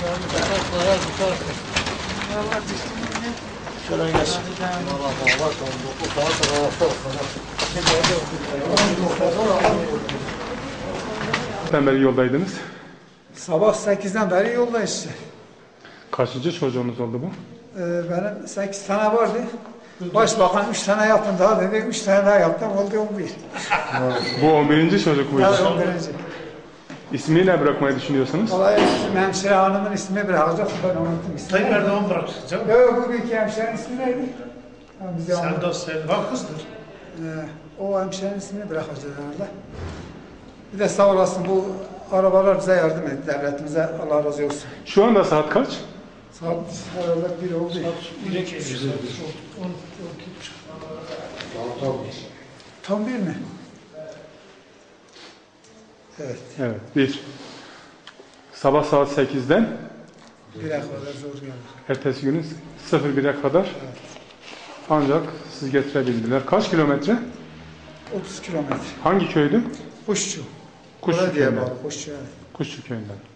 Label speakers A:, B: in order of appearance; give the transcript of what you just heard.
A: Şöyle gelsin.
B: Sen beri yoldaydınız.
C: Sabah 8'den beri yoldayız işte.
B: Kaçıncı çocuğunuz oldu bu?
C: Benim 8 tane vardı. Başbakan 3 tane yapın daha dedi. 3 tane daha yaptım. Oldu 11.
B: Bu 11. çocuk muydu?
C: Evet 11.
B: İsmini ne bırakmayı düşünüyorsunuz?
C: Vallahi hemşire hanımın ismini bırakacak. Ben unuttum ismini.
D: Tayyip Erdoğan bırakacak canım.
C: Yok bugünkü hemşirenin ismi neydi?
D: Serdar Selva kızdır.
C: O hemşirenin ismini bırakacağız herhalde. Bir de sağ olasın bu arabalar bize yardım etti. Devletimize Allah razı olsun.
B: Şu anda saat kaç?
C: Saat herhalde 1 oldu. Tam 1 mi? Evet.
B: Evet, 1. Sabah saat 8'den
C: 1'e kadar zor geldi.
B: ertesi günün 01'e kadar ancak siz getirebildiler. Kaç kilometre?
C: 30 kilometre.
B: Hangi köydü?
C: Kuşçu.
B: Kuşçu
C: Oraya diye
B: köyünden.
C: bağlı. Kuşçu yani.
B: Kuşçu köyünden.